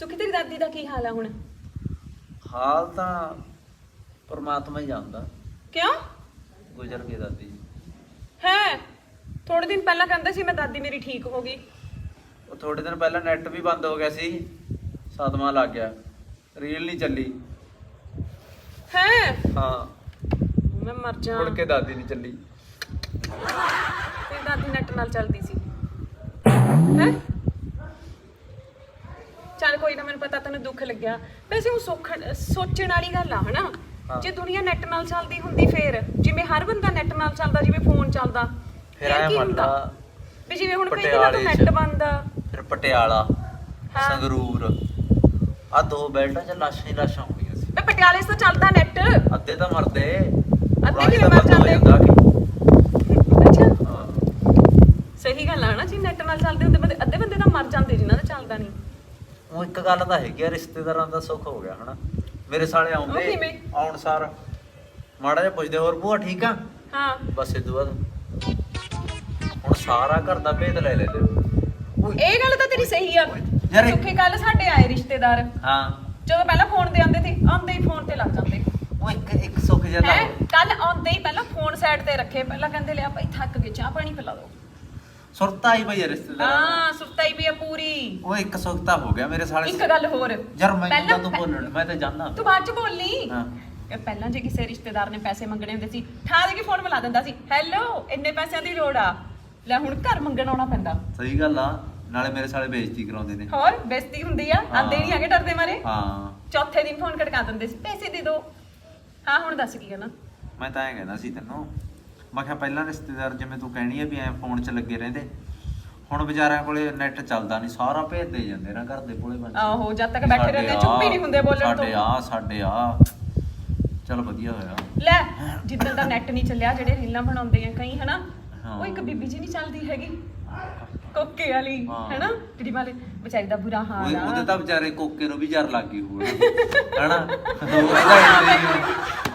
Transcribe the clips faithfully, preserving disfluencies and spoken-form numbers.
ਸੁਖੀ ਤੇਰੀ ਦਾਦੀ ਦਾ ਕੀ ਹਾਲ ਆ ਹੁਣ? ਹਾਲ ਤਾਂ ਪਰਮਾਤਮਾ ਹੀ ਜਾਣਦਾ। ਕਿਉਂ? ਗੁਜ਼ਰ ਗਈ ਦਾਦੀ। ਹੈ ਥੋੜੇ ਦਿਨ ਪਹਿਲਾਂ ਕਹਿੰਦੇ ਸੀ ਮੈਂ ਦਾਦੀ ਮੇਰੀ ਠੀਕ ਹੋ ਗਈ। ਉਹ ਥੋੜੇ ਦਿਨ ਪਹਿਲਾਂ ਨੈਟ ਵੀ ਬੰਦ ਹੋ ਗਿਆ ਸੀ, ਸਦਮਾ ਲੱਗ ਗਿਆ, ਰੀਲ ਨਹੀਂ ਚੱਲੀ। ਹੈ ਹਾਂ ਮੈਂ ਮਰ ਜਾ। ਮੁੜ ਕੇ ਦਾਦੀ ਨਹੀਂ ਚੱਲੀ। ਤੇਰੀ ਦਾਦੀ ਨੈਟ ਨਾਲ ਚੱਲਦੀ ਸੀ ਹੈ? ਚੱਲ ਕੋਈ ਨਾ, ਮੈਨੂੰ ਪਤਾ ਤੈਨੂੰ ਦੁੱਖ ਲੱਗਿਆ। ਵੈਸੇ ਉਹ ਸੋਖਣ ਸੋਚਣ ਵਾਲੀ ਗੱਲ ਆ ਹਨਾ। ਹਾਂ। ਜੇ ਦੁਨੀਆ ਨੈਟ ਨਾਲ ਚੱਲਦੀ ਹੁੰਦੀ ਫੇਰ ਜਿਵੇਂ ਹਰ ਬੰਦਾ ਨੈਟ ਨਾਲ ਚੱਲਦਾ, ਜਿਵੇਂ ਫੋਨ ਚੱਲਦਾ, ਫਿਰ ਆਇਆ ਕੀ ਮੰਨ ਹੁੰਦਾ? ਲਾ ਵੀ ਜਿਵੇਂ ਹੁਣ ਕਈ ਦਿਨਾਂ ਤੋਂ ਪਟਿਆਲੇ ਨੈਟ ਚ। ਬੰਦ ਆ। ਫਿਰ ਪਟਿਆਲਾ, ਹਾਂ। ਸੰਗਰੂਰ, ਆ ਦੋ ਬੈਲਟਾਂ 'ਚ ਲਾਸ਼ਾਂ ਹੀ ਲਾਸ਼ਾਂ ਹੋਣੀਆਂ ਸੀ। ਵੇ ਪਟਿਆਲੇ 'ਚ ਤਾਂ ਚੱਲਦਾ ਨੈਟ। ਅੱਧੇ ਤਾਂ ਮਰਦੇ, ਅੱਧੇ ਕਿਵੇਂ ਤਾਂ ਮਰ ਬੰਦ ਹੋ ਜਾਂਦੇ? ਜਾਂਦਾ ਕਿ ਅੱਛਾ ਹਾਂ। ਸਹੀ ਗੱਲ ਆ ਨਾ, ਜੀ ਨੈਟ ਨਾਲ ਚੱਲਦੇ ਹੁੰਦੇ ਬੰਦੇ, ਅੱਧੇ ਬੰਦੇ ਤਾਂ ਮਰ ਜਾਂਦੇ ਜਿਨ੍ਹਾਂ ਦਾ ਚੱਲਦਾ ਨਹੀਂ। ਉਹ ਇੱਕ ਗੱਲ ਤਾਂ ਹੈਗੀ ਆ, ਰਿਸ਼ਤੇਦਾਰਾਂ ਦਾ ਸੁੱਖ ਹੋ ਗਿਆ ਹਨਾ। ਮੇਰੇ ਸਾਲੇ ਉਹ ਆਉਂਦੇ ਕਿਵੇਂ? ਆਉਣ ਸਾਰ ਮਾੜਾ ਜਿਹਾ ਪੁੱਛਦੇ, ਹੋਰ ਭੂਆ ਠੀਕ ਆ? ਹਾਂ ਬਸ ਇਦੋਂ ਬਾਅਦ ਹੁਣ ਸਾਰਾ ਘਰ ਦਾ ਭੇਦ ਲੈ ਲੈਂਦੇ। ਇਹ ਗੱਲ ਤਾਂ ਤੇਰੀ ਸਹੀ ਆ। ਯਾਰ ਇਹ- ਸੁੱਖੇ ਕੱਲ ਸਾਡੇ ਆਏ ਰਿਸ਼ਤੇਦਾਰ, ਹਾਂ ਜਦੋਂ ਪਹਿਲਾਂ ਫੋਨ ਤੇ ਆਉਂਦੇ ਸੀ, ਆਉਂਦੇ ਹੀ ਫੋਨ ਤੇ ਲੱਗ ਜਾਂਦੇ ਉਹ ਇੱਕ ਇੱਕ ਸੁੱਖ ਜਿਹਾ ਹੈ। ਤਾਂ ਕੱਲ ਆਉਂਦੇ ਹੀ ਪਹਿਲਾਂ ਫੋਨ ਸਾਈਡ ਤੇ ਰੱਖੇ, ਪਹਿਲਾਂ ਕਹਿੰਦੇ ਲਿਆ ਭਾਈ ਥੱਕ ਗਏ, ਚਾਹ ਪਾਣੀ ਪਿਲਾ ਦਿਓ। ਸੁਰਤਾ ਹੀ ਭਈ ਰਿਸ਼ਤੇਦਾਰ। ਹਾਂ ਸੁੱਤਾ ਹੀ ਵੀ ਆ ਪੂਰੀ। ਉਹ ਇੱਕ ਸੁੱਖ ਤਾਂ ਹੋ ਗਿਆ ਮੇਰੇ ਸਾਲੇ। ਇੱਕ ਗੱਲ ਹੋਰ, ਯਾਰ ਮੈਂ ਤਾਂ ਪਹਿਲਾਂ- ਤੂੰ ਬੋਲਣ, ਮੈਂ ਤਾਂ ਜਾਣਦਾ। ਤੂੰ ਬਾਅਦ ਚ ਬੋਲਨੀ। ਹਾਂ ਇਹ ਪਹਿਲਾਂ ਜੇ ਕਿਸੇ ਰਿਸ਼ਤੇਦਾਰ ਨੇ ਪੈਸੇ ਮੰਗਣੇ ਹੁੰਦੇ ਸੀ, ਠਾ ਦੇ ਕੇ ਫੋਨ ਮਿਲਾ ਦਿੰਦਾ ਸੀ, ਹੈਲੋ ਇੰਨੇ ਪੈਸਿਆਂ ਦੀ ਲੋੜ ਆ, ਲੈ ਹੁਣ ਘਰ ਮੰਗਣ ਆਉਣਾ ਪੈਂਦਾ। ਸਹੀ ਗੱਲ ਆ, ਨਾਲੇ ਮੇਰੇ ਸਾਲੇ ਬੇਇੱਜ਼ਤੀ ਕਰਾਉਂਦੇ ਨੇ। ਹੋਰ ਬੇਇੱਜ਼ਤੀ ਹੁੰਦੀ ਆ, ਆਂਦੇ ਨਹੀਂ ਹੈਗੇ ਡਰਦੇ ਮਾਰੇ। ਹਾਂ ਚੌਥੇ ਦਿਨ ਫੋਨ ਖੜਕਾ ਦਿੰਦੇ ਸੀ, ਪੈਸੇ ਦੇ ਦਿਓ। ਹਾਂ ਹੁਣ ਦੱਸ ਕੀ ਕਹਿਣਾ? ਮੈਂ ਤਾਂ ਐਂ ਕਹਿੰਦਾ ਸੀ ਤੈਨੂੰ, ਮੈਂ ਕਿਹਾ ਪਹਿਲਾਂ ਰਿਸ਼ਤੇਦਾਰ ਜਿਵੇਂ ਤੂੰ ਕਹਿਣੀ ਆ ਵੀ ਐ ਫੋਨ 'ਚ ਲੱਗੇ ਰਹਿੰਦੇ, ਹੁਣ ਵਿਚਾਰਿਆਂ ਕੋਲੇ ਨੈਟ ਚੱਲਦਾ ਨਹੀਂ, ਸਾਰਾ ਭੇਜ ਦੇ ਜਾਂਦੇ ਨਾ ਘਰ ਦੇ ਕੋਲੇ ਬੰਦੇ। ਆਹੋ ਜਦ ਤੱਕ ਬੈਠੇ ਰਹਿੰਦੇ ਚੁੱਪ ਹੀ ਨਹੀਂ ਹੁੰਦੇ ਬੋਲਣ ਤੋਂ। ਸਾਡੇ ਆ ਸਾਡੇ ਆ ਚਲ ਵਧੀਆ ਹੋਇਆ। ਲੈ ਜਿੱਦਾਂ ਦਾ ਨੈਟ ਨਹੀਂ ਚੱਲਿਆ, ਜਿਹੜੇ ਰੀਲਾਂ ਬਣਾਉਂਦੇ ਆ ਕਈ ਹਨਾ, ਹਾਂ। ਉਹ ਇੱਕ ਬੀਬੀ ਜੀ ਨਹੀਂ ਚੱਲਦੀ ਹੈਗੀ ਕੋਕੇ ਵਾਲੀ ਹਾਂ। ਹਨਾ, ਜਿਹੜੀ ਵਾਲੇ ਵਿਚਾਰੀ ਦਾ ਬੁਰਾ ਹਾਲ ਉਹ- ਆ। ਉਹਦੇ ਤਾਂ ਵਿਚਾਰੇ ਕੋਕੇ ਨੂੰ ਵੀ ਜ਼ਰ ਲੱਗ ਗਈ ਹੋਊ ਹਨਾ। ਉਹਦਾ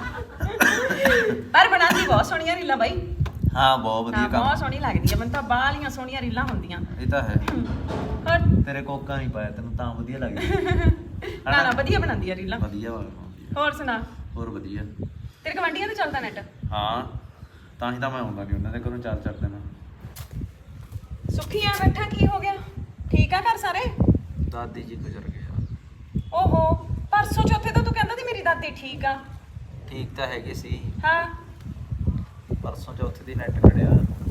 ਪਰ ਬਣਾਉਂਦੀ ਬਹੁਤ ਸੋਹਣੀਆਂ ਰੀਲਾਂ ਬਾਈ। ਹਾਂ ਬਹੁਤ ਵਧੀਆ ਹਾਂ ਕੰਮ। ਬਹੁਤ ਸੋਹਣੀ ਲੱਗਦੀ ਆ ਮੈਨੂੰ ਤਾਂ, ਬਾਹਲੀਆਂ ਸੋਹਣੀਆਂ ਰੀਲਾਂ ਹੁੰਦੀਆਂ। ਇਹ ਤਾਂ ਹੈ। ਹੋਰ ਤੇਰੇ ਕੋਕਾ ਨਹੀਂ ਪਾਇਆ ਤੈਨੂੰ ਤਾਂ ਵਧੀਆ ਲੱਗਦੀ। ਨਾ ਨਾ ਵਧੀਆ ਬਣਾਉਂਦੀ ਆ ਰੀਲਾਂ। ਵਧੀਆ ਵਾ, ਵਧੀਆ। ਹੋਰ ਸੁਣਾ, ਹੋਰ ਵਧੀਆ। ਤੇਰੇ ਗਵਾਂਢੀਆਂ ਤੇ ਚੱਲਦਾ ਨੈਟ? ਹਾਂ ਤਾਂ ਹੀ ਤਾਂ ਮੈਂ ਆਉਂਦਾ ਨਹੀਂ ਉਹਨਾਂ ਦੇ ਘਰੋਂ, ਚਾਰ ਚਾਰ ਦਿਨ। ਸੁੱਖੀ ਆ ਬੈਠਾ, ਕੀ ਹੋ ਗਿਆ? ਠੀਕ ਆ ਘਰ ਸਾਰੇ? ਦਾਦੀ ਜੀ ਗੁਜ਼ਰ ਗਏ। ਓਹੋ ਪਰਸੋਂ ਚੌਥੇ ਤਾਂ ਤੂੰ ਕਹਿੰਦਾ ਸੀ ਮੇਰੀ ਦਾਦੀ ਠੀਕ ਆ। ਠੀਕ ਤਾਂ ਹੈਗੇ ਸੀ, ਹਾਂ ਪਰਸੋਂ ਚੌਥੇ ਦੀ ਨੈਟ ਖੜਿਆ,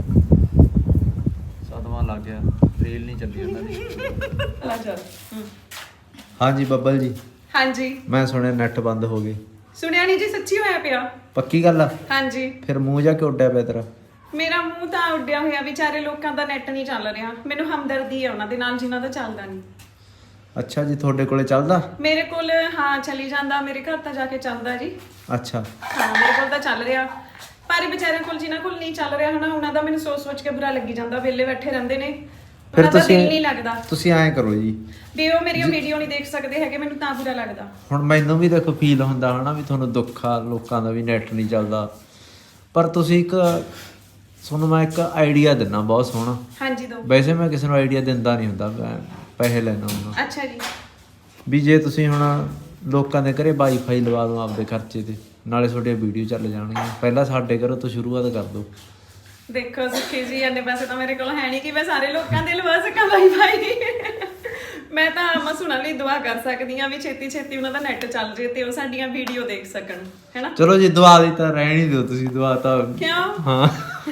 ਸਦਮਾ ਲੱਗ ਗਿਆ, ਰੀਲ ਨਹੀਂ ਚੱਲੀ ਉਹਨਾਂ ਦੀ। ਲੈ ਚੱਲ। ਹੂੰ। ਹਾਂਜੀ ਬੱਬਲ ਜੀ, ਹਾਂਜੀ ਮੈਂ ਸੁਣਿਆ ਨੈਟ ਬੰਦ ਹੋ ਗਏ। ਸੁਣਿਆ ਨਹੀਂ ਜੀ, ਸੱਚੀ ਹੋਇਆ ਪਿਆ। ਪੱਕੀ ਗੱਲ ਆ? ਹਾਂਜੀ ਫਿਰ ਮੂੰਹ ਜਾ ਕੇ ਉੱਡਿਆ ਪਿਆ ਤੇਰਾ? ਮੇਰਾ ਮੂੰਹ ਤਾਂ ਉੱਡਿਆ ਹੋਇਆ, ਵਿਚਾਰੇ ਲੋਕਾਂ ਦਾ ਨੈਟ ਨਹੀਂ ਚੱਲ ਰਿਹਾ। ਮੈਨੂੰ ਹਮਦਰਦੀ ਹੈ ਉਹਨਾਂ ਦੇ ਨਾਲ ਜਿਨ੍ਹਾਂ ਦਾ ਚੱਲਦਾ ਨਹੀਂ। ਅੱਛਾ ਜੀ, ਤੁਹਾਡੇ ਕੋਲੇ ਚੱਲਦਾ? ਮੇਰੇ ਕੋਲ ਹਾਂ ਚਲੀ ਜਾਂਦਾ, ਮੇਰੇ ਘਰ ਤਾਂ ਜਾ ਕੇ ਚੱਲਦਾ ਜੀ। ਅੱਛਾ ਹਾਂ ਮੇਰੇ ਕੋਲ ਤਾਂ ਚੱਲ ਰਿਹਾ, ਪਰ ਵਿਚਾਰਿਆਂ ਕੋਲ ਜਿਨ੍ਹਾਂ ਕੋਲ ਨਹੀਂ ਚੱਲ ਰਿਹਾ ਹਨਾ, ਉਹਨਾਂ ਦਾ ਮੈਨੂੰ ਸੋਚ ਸੋਚ ਕੇ ਬੁਰਾ ਲੱਗੀ ਜਾਂਦਾ। ਵਿਹਲੇ ਬੈਠੇ ਰਹਿੰਦੇ ਨੇ, ਫਿਰ ਉਹਨਾਂ ਦਾ ਦਿਲ ਤੁਸੀਂ ਨਹੀਂ ਲੱਗਦਾ। ਤੁਸੀਂ ਐਂ ਕਰੋ ਜੀ, ਵੀ ਉਹ ਮੇਰੀ ਵੀਡੀਓ ਨਹੀਂ ਦੇਖ ਸਕਦੇ ਹੈਗੇ, ਮੈਨੂੰ ਤਾਂ ਬੁਰਾ ਲੱਗਦਾ। ਹੁਣ ਮੈਨੂੰ ਵੀ ਦੇਖੋ ਫੀਲ ਹੁੰਦਾ ਹਨਾ ਵੀ ਤੁਹਾਨੂੰ ਦੁੱਖ ਆ ਲੋਕਾਂ ਦਾ ਵੀ ਨੈਟ ਨਹੀਂ ਚੱਲਦਾ, ਪਰ ਤੁਸੀਂ ਇੱਕ ਤੁਹਾਨੂੰ ਮੈਂ ਇੱਕ ਆਈਡੀਆ ਦਿੰਦਾ ਬਹੁਤ ਸੋਹਣਾ। ਹਾਂਜੀ ਦੋ। ਵੈਸੇ ਮੈਂ ਕਿਸੇ ਨੂੰ ਆਈਡੀਆ ਦਿੰਦਾ ਨਹੀਂ ਹੁੰਦਾ, ਮੈਂ ਪੈਸੇ ਲੈਣਾ ਹੁੰਦਾ। ਅੱਛਾ ਜੀ। ਵੀ ਜੇ ਤੁਸੀਂ ਹੁਣ ਲੋਕਾਂ ਦੇ ਘਰੇ ਵਾਈਫਾਈ ਲਵਾ ਦਿਓ ਆਪਦੇ ਖਰਚੇ ਤੇ, ਨਾਲੇ ਤੁਹਾਡੀਆਂ ਵੀਡੀਓ ਚੱਲ ਜਾਣਗੀਆਂ। ਪਹਿਲਾਂ ਸਾਡੇ ਘਰੋਂ ਤੋਂ ਸ਼ੁਰੂਆਤ ਕਰ ਦਿਓ। ਦੇਖੋ ਸੁੱਖੀ ਜੀ, ਇੰਨੇ ਪੈਸੇ ਤਾਂ ਮੇਰੇ ਕੋਲ ਹੈ ਨਹੀਂ ਕਿ ਮੈਂ ਸਾਰੇ ਲੋਕਾਂ ਦੇ ਲਵਾ ਸਕਾਂ ਵਾਈਫਾਈ। ਮੈਂ ਤਾਂ ਮਸੂਣਾ ਲਈ ਦੁਆ ਕਰ ਸਕਦੀ ਹਾਂ ਵੀ ਛੇਤੀ ਛੇਤੀ ਉਹਨਾਂ ਦਾ ਨੈਟ ਚੱਲ ਜੇ ਤੇ ਉਹ ਸਾਡੀਆਂ ਵੀਡੀਓ ਦੇਖ ਸਕਣ, ਹੈਨਾ। ਚਲੋ ਜੀ ਦੁਆ ਦੀ ਤਾਂ ਰਹਿਣ ਹੀ ਦਿਓ ਤੁਸੀਂ, ਦੁਆ ਤਾਂ ਕਿਉਂ? ਹਾਂ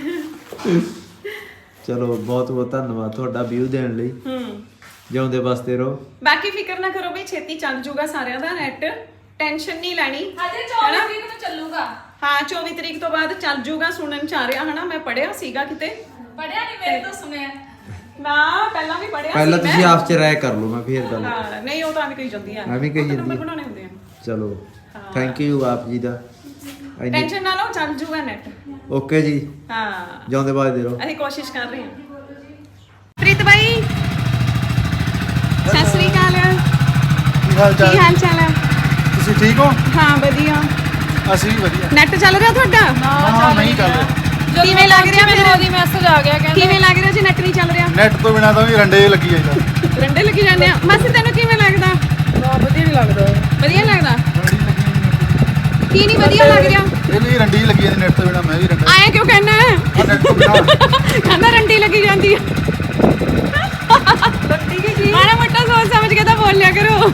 ਚਲੋ ਬਹੁਤ ਬਹੁਤ ਧੰਨਵਾਦ ਤੁਹਾਡਾ ਵਿਊ ਦੇਣ ਲਈ। ਹੂੰ ਜਿਉਂਦੇ ਵਸਦੇ ਰਹੋ। ਬਾਕੀ ਫਿਕਰ ਨਾ ਕਰੋ ਵੀ ਛੇਤੀ ਚੱਲ ਜੂਗਾ ਸਾਰਿਆਂ ਦਾ ਨੈਟ, ਟੈਨਸ਼ਨ ਨਹੀਂ ਲੈਣੀ। ਹਜੇ ਚੌਵੀ ਤਰੀਕ ਨੂੰ ਚੱਲੂਗਾ। ਹਾਂ ਚੌਵੀ ਤਰੀਕ ਤੋਂ ਬਾਅਦ ਚੱਲ ਜੂਗਾ, ਸੁਣਨ ਚ ਆ ਰਿਹਾ ਹਨਾ। ਮੈਂ ਪੜਿਆ ਸੀਗਾ ਕਿਤੇ, ਪੜਿਆ ਨਹੀਂ, ਮੇਰੇ ਤੋਂ ਸੁਣਿਆ ਨਾ ਪਹਿਲਾਂ ਵੀ ਪੜਿਆ ਸੀ ਪਹਿਲਾਂ ਮੈਂ। ਤੁਸੀਂ ਆਪ ਚ ਰਾਏ ਕਰ ਲਓ, ਮੈਂ ਫੇਰ ਗੱਲ। ਹਾਂ ਨਹੀਂ ਉਹ ਤਾਂ ਐਵੇਂ ਕਹੀ ਜਾਂਦੀ ਆ, ਐਵੇਂ ਕਹੀ ਜਾਂਦੀ ਨੰਬਰ ਆ। ਬਣਾਉਣੇ ਹੁੰਦੇ ਆ। ਚਲੋ ਥੈਂਕ ਯੂ ਆਪ ਜੀ ਦਾ। ਟੈਨਸ਼ਨ ਨਾ ਲਓ, ਚੱਲ ਜੂਗਾ ਨੈਟ। ਓਕੇ ਜੀ, ਹਾਂ ਜਿਉਂਦੇ ਵਸਦੇ ਰਹੋ। ਅਸੀਂ ਕੋਸ਼ਿਸ਼ ਕਰ ਰਹੇ ਹਾਂ। ਪ੍ਰੀਤ ਬਾਈ ਸਤਿ ਸ੍ਰੀ ਅਕਾਲ, ਕੀ ਹਾਲ ਕੀ ਚਾਲ? ਹਾਲ ਚਾਲ ਹੈ? ਤੁਸੀਂ ਠੀਕ ਹੋ? ਹਾਂ ਵਧੀਆ। ਅਸੀਂ ਵੀ ਵਧੀਆ। ਨੈਟ ਚੱਲ ਰਿਹਾ ਤੁਹਾਡਾ? ਹਾਂ ਨਹੀਂ ਚੱਲ ਰਿਹਾ। ਕਿਵੇਂ ਲੱਗ ਰਿਹਾ ਮੈਨੂੰ ਮੈਨੂੰ? ਉਹਦੀ ਮੈਸੇਜ ਆ ਗਿਆ, ਕਹਿੰਦੇ ਕਿਵੇਂ ਲੱਗ ਰਿਹਾ ਜੀ ਨੈਟ ਨਹੀਂ ਚੱਲ ਰਿਹਾ? ਨੈਟ ਤੋਂ ਬਿਨਾ ਤਾਂ ਵੀ ਰੰਡੇ ਲੱਗੀ ਜਾਂਦਾ। ਰੰਡੇ ਲੱਗੀ ਜਾਂਦੇ ਆ। ਮਾਸੀ ਤੈਨੂੰ ਕਿਵੇਂ ਲੱਗਦਾ? ਵਧੀਆ ਲੱਗ ਰਿਹਾ। ਇਹ ਵੀ ਰੰਡੀ ਲੱਗੀ ਜਾਂਦੀ ਨੈਟ ਤੋਂ ਬਿਨਾ, ਮੈਂ ਵੀ ਰੰਡਾ ਆਏ ਕਿਉਂ ਕਹਿਣਾ ਆ ਨੈਟ ਤੋਂ ਬਿਨਾ ਕਹਿੰਦਾ ਰੰਡੀ ਲੱਗੀ ਜਾਂਦੀ ਹੈ। ਰੰਡੀ ਕੀ ਕੀ ਮਾੜਾ ਮੋਟਾ ਸੋਚ ਸਮਝ ਕੇ ਤਾਂ ਬੋਲਿਆ ਕਰੋ।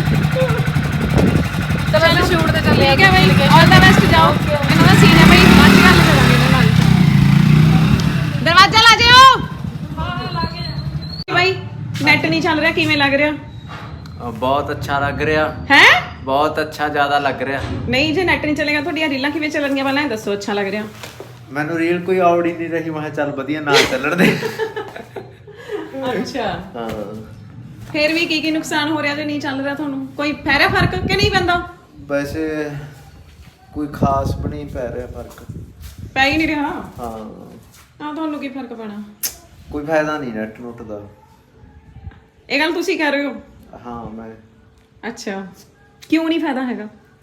ਤੇ ਪਹਿਲਾਂ ਸ਼ੂਟ ਤੇ ਚੱਲੇ ਠੀਕ ਹੈ ਬਈ, ਆਲ ਦਾ ਬੈਸਟ ਜਾਓ। ਇਹਨਾਂ ਦਾ ਸੀਨ ਹੈ ਬਈ, ਬਾਅਦ ਚ ਗੱਲ ਕਰਾਂਗੇ ਇਹਨਾਂ ਨਾਲ। ਦਰਵਾਜ਼ਾ ਲਾ ਜਿਓ। ਹਾਂ ਲਾ ਕੇ ਬਈ ਨੈਟ ਨਹੀਂ ਚੱਲ ਰਿਹਾ, ਕਿਵੇਂ ਲੱਗ ਰਿਹਾ ਬਹੁਤ ਅੱਛਾ ਲੱਗ ਰਿਹਾ, ਹੈ? ਬਹੁਤ ਅੱਛਾ, ਜ਼ਿਆਦਾ ਲੱਗ ਰਿਹਾ। ਨਹੀਂ ਜੇ ਨੈਟ ਨਹੀਂ ਚੱਲੇਗਾ ਤੁਹਾਡੀਆਂ ਰੀਲਾਂ ਕਿਵੇਂ ਚੱਲਣਗੀਆਂ ਪਹਿਲਾਂ ਇਹ ਦੱਸੋ। ਅੱਛਾ ਲੱਗ ਰਿਹਾ। ਮੈਨੂੰ ਰੀਲ ਕੋਈ ਆਉੜ ਹੀ ਨਹੀਂ ਰਹੀ, ਮੈਂ ਕਿਹਾ ਚੱਲ ਵਧੀਆ ਨਾਲ ਚੱਲਣ ਦੇ। ਅੱਛਾ ਹਾਂ ਫੇਰ ਵੀ ਕੀ ਕੀ ਨੁਕਸਾਨ ਹੋ ਰਿਹਾ ਜੇ ਨਹੀਂ ਚੱਲ ਰਿਹਾ ਤੁਹਾਨੂੰ? ਕੋਈ ਪੈ ਰਿਹਾ ਫਰਕ ਕਿ ਨਹੀਂ ਪੈਂਦਾ? ਵੈਸੇ ਕੋਈ ਖਾਸ ਵੀ ਨਹੀਂ ਪੈ ਰਿਹਾ ਫਰਕ। ਪੈ ਹੀ ਨਹੀਂ ਰਿਹਾ। ਹਾਂ ਆ ਤੁਹਾਨੂੰ ਕੀ ਫਰਕ ਪੈਣਾ? ਕੋਈ ਫਾਇਦਾ ਨਹੀਂ ਨੈਟ ਨੁੱਟ ਦਾ। ਇਹ ਗੱਲ ਤੁਸੀਂ ਕਹਿ ਰਹੇ ਹੋ? ਹਾਂ ਮੈਂ ਅੱਛਾ ਕਿਉਂ ਨਹੀਂ ਫਾਇਦਾ ਹੈਗਾ?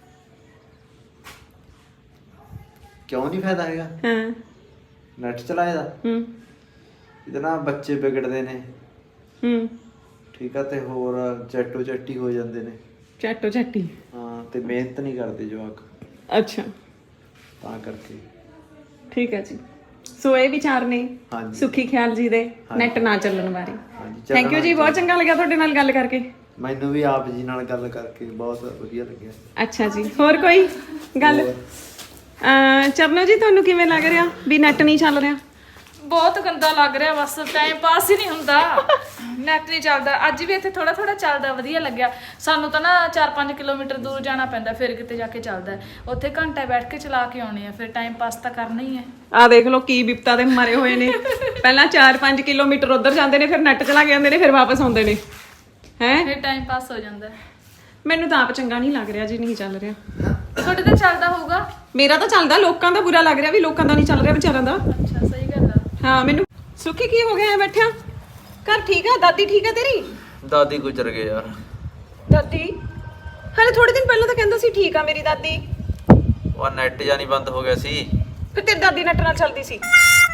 ਕਿਉਂ ਨਹੀਂ ਫਾਇਦਾ ਹੈਗਾ? ਹਾਂ ਨੈਟ ਚਲਾਏ ਦਾ ਹੂੰ ਇਹਦੇ ਨਾਲ ਬੱਚੇ ਵਿਗੜਦੇ ਨੇ, ਹੂੰ ਠੀਕ ਆ, ਤੇ ਹੋਰ ਚੱਟੋ ਚੱਟੀ ਹੋ ਜਾਂਦੇ ਨੇ। ਚੱਟੋ ਚੱਟੀ। ਹਾਂ ਤੇ ਮਿਹਨਤ ਨਹੀਂ ਕਰਦੇ ਜਵਾਕ, ਅੱਛਾ ਤਾਂ ਕਰਕੇ। ਠੀਕ ਹੈ ਜੀ। ਸੋ ਇਹ ਵਿਚਾਰ ਨੇ ਹਾਂਜੀ। ਸੁਖੀ ਖਿਆਲ ਜੀ ਦੇ ਹਾਂਜੀ। ਨੈਟ ਨਾ ਚੱਲਣ ਬਾਰੇ। ਹਾਂਜੀ, ਥੈਂਕ ਯੂ ਜੀ, ਬਹੁਤ ਚੰਗਾ ਲੱਗਿਆ ਤੁਹਾਡੇ ਨਾਲ ਗੱਲ ਕਰਕੇ। ਮੈਨੂੰ ਵੀ ਆਪ ਜੀ ਨਾਲ ਗੱਲ ਕਰਕੇ ਬਹੁਤ ਵਧੀਆ ਲੱਗਿਆ। ਅੱਛਾ ਜੀ, ਹੋਰ ਕੋਈ ਗੱਲ? ਅਹ ਚਰਨੋ ਜੀ ਤੁਹਾਨੂੰ ਕਿਵੇਂ ਲੱਗ ਰਿਹਾ ਵੀ ਨੈਟ ਨਹੀਂ ਚੱਲ ਰਿਹਾ? ਬਹੁਤ ਗੰਦਾ ਲੱਗ ਰਿਹਾ, ਬਸ ਟਾਈਮ ਪਾਸ ਹੀ ਨਹੀਂ ਹੁੰਦਾ। ਨੈਟ ਨਹੀਂ ਚੱਲਦਾ। ਅੱਜ ਵੀ ਇੱਥੇ ਥੋੜਾ ਥੋੜਾ ਚੱਲਦਾ, ਵਧੀਆ ਲੱਗਿਆ। ਸਾਨੂੰ ਤਾਂ ਨਾ ਚਾਰ ਪੰਜ ਕਿਲੋਮੀਟਰ ਦੂਰ ਜਾਣਾ ਪੈਂਦਾ, ਫਿਰ ਕਿਤੇ ਜਾ ਕੇ ਚੱਲਦਾ ਹੈ। ਉੱਥੇ ਘੰਟਾ ਬੈਠ ਕੇ ਚਲਾ ਕੇ ਆਉਣੇ ਆ, ਫਿਰ ਟਾਈਮ ਪਾਸ ਤਾਂ ਕਰਨਾ ਹੀ ਹੈ। ਆ ਦੇਖ ਲਓ ਕੀ ਵਿਪਤਾ ਦੇ ਮਰੇ ਹੋਏ ਨੇ। ਪਹਿਲਾਂ ਚਾਰ ਪੰਜ ਕਿਲੋਮੀਟਰ ਉੱਧਰ ਜਾਂਦੇ ਨੇ, ਫਿਰ ਨੈਟ ਚਲਾ ਕੇ ਆਉਂਦੇ ਨੇ, ਫਿਰ ਵਾਪਸ ਆਉਂਦੇ ਨੇ। ਹੈ ਫਿਰ ਟਾਈਮ ਪਾਸ ਹੋ ਜਾਂਦਾ। ਮੈਨੂੰ ਤਾਂ ਆਪ ਚੰਗਾ ਨਹੀਂ ਲੱਗ ਰਿਹਾ ਜੀ ਨਹੀਂ ਚੱਲ ਰਿਹਾ। ਤੁਹਾਡੇ ਤਾਂ ਚੱਲਦਾ ਹੋਊਗਾ। ਮੇਰਾ ਤਾਂ ਚੱਲਦਾ, ਲੋਕਾਂ ਦਾ ਬੁਰਾ ਲੱਗ ਰਿਹਾ ਵੀ ਲੋਕਾਂ ਦਾ ਨਹੀਂ ਚੱਲ ਰਿਹਾ ਵਿਚਾਰਾਂ ਦਾ। ਅੱਛਾ ਸਹੀ ਗੱਲ ਆ। ਹਾਂ ਮੈਨੂੰ ਸੁੱਖੀ ਕੀ ਹੋ ਗਿਆ ਐ ਬੈਠਿਆ? ਘਰ ਠੀਕ ਆ? ਦਾਦੀ ਠੀਕ ਆ ਤੇਰੀ? ਦਾਦੀ ਗੁਜ਼ਰ ਗਏ ਯਾਰ। ਦਾਦੀ ਹਲੇ ਥੋੜੇ ਦਿਨ ਪਹਿਲਾਂ ਤਾਂ ਕਹਿੰਦਾ ਸੀ ਠੀਕ ਆ ਮੇਰੀ ਦਾਦੀ। ਉਹ ਨੈਟ ਜਾਂ ਨਹੀਂ ਬੰਦ ਹੋ ਗਿਆ ਸੀ। ਫਿਰ ਤੇਰੀ ਦਾਦੀ ਨੈਟ ਨਾਲ ਚੱਲਦੀ ਸੀ?